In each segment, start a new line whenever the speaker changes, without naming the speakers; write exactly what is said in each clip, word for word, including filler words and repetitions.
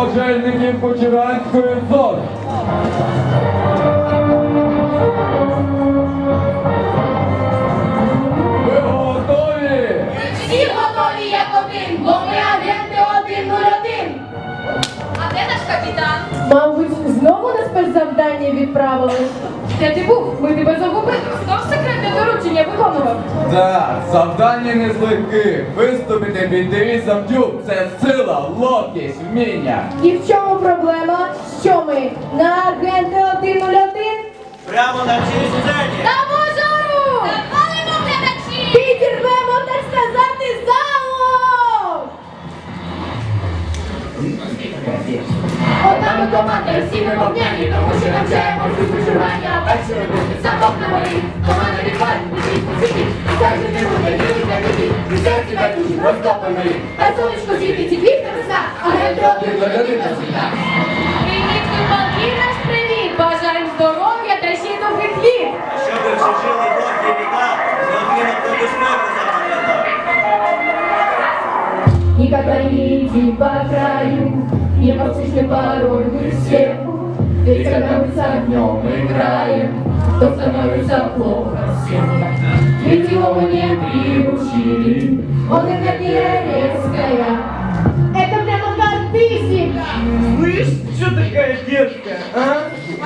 пожежників Почиранської зони. Ви готові?
Всі готові як один, бо ми агенти один нуль один. А де наш капітан?
Мабуть, знову на спецзавдання відправили. Де ти був? Ми тебе загубили. Знов секретне доручення виконував.
Так, завдання не з легких. Виступити під девізом Дюб – це сила, ловкість, вміння.
І в чому проблема? Що ми? На агенти один нуль один?
Прямо на цій сцені.
На мажору! Запалимо глядачі!
Підірвемо, так сказати, залу!
Одна ми команда, всі ми вогняні, тому що навчаємо всі виживання. Перші робити замок на морі, команда відваль, біжіть, біжіть, і каже не буде, їдуть на біді, і серці байдужі розтопленої, а сонечко світить і квітне весна, агенти один нуль один на світах. Привіт, купалки, наш привіт! Бажаємо здоров'я та ще й довгих літ!
А щоб ви всі жили довгі літа, необхідно про безпеку запам'ятати.
Никогда не иди по краю, непослушный порой мы все. Ведь когда мы с огнем играем, то становится плохо всем. Ведь его мы не приучили, он энергия резкая. Это прямо как физика.
Слышь, что такая детская, а?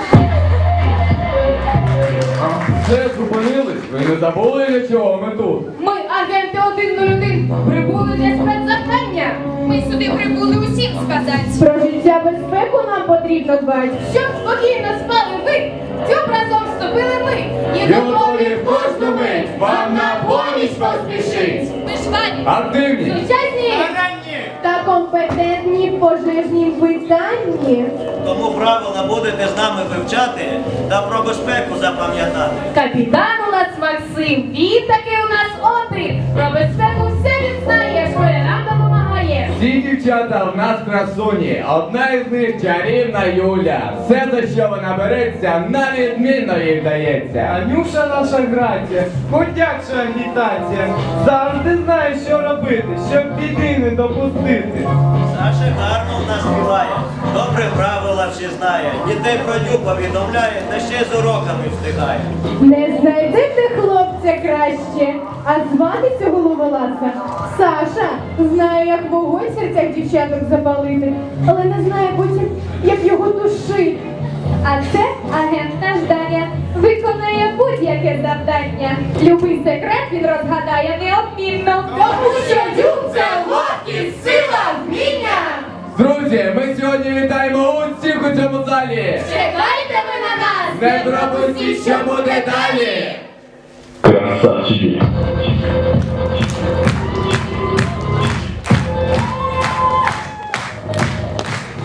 Все зупинились? Ви не забули, для чого ми тут?
Ми, агенти один нуль один, прибули для спецзавдання.
Ми сюди прибули усім сказати.
Про життя безпеку нам потрібно дбати. Щоб спокійно спали ви, в цю разом вступили ми. І готові в кожну мить вам на поміч поспішить.
Ми ж вані.
Активні!
Сучасні
Ранні!
та компетентні в пожежнім питанні.
Тому правила будете з нами вивчати та про безпеку запам'ятати.
Капітан у нас Максим, він таки у нас отрик. Про безпеку все він знає, школярам допомагає.
Всі дівчата в нас красуні, одна із них чарівна Юля. Все, за що вона береться, на відмінно їй вдається.
Анюша наша грація, ходяча агітація, завжди знає, що робити, щоб біди не допустити.
Саша гарно в нас співає, добре правила всі знає, дітей про ню повідомляє, та ще й з уроками встигає.
Не знайдете хлопця краще, а звати цього ловеласа Саша. Знає, як вогонь в серцях дівчаток запалити, але не знає потім, як його душити. А це агент наш Даня, виконує будь-яке завдання. Любий секрет він розгадає неодмінно. Тому що Дюб – це ловкість, сила, вміння.
Друзі, ми сьогодні вітаємо усіх у цьому залі.
Чекайте ви на нас!
Не пропустіть, що буде далі.
Красавчики.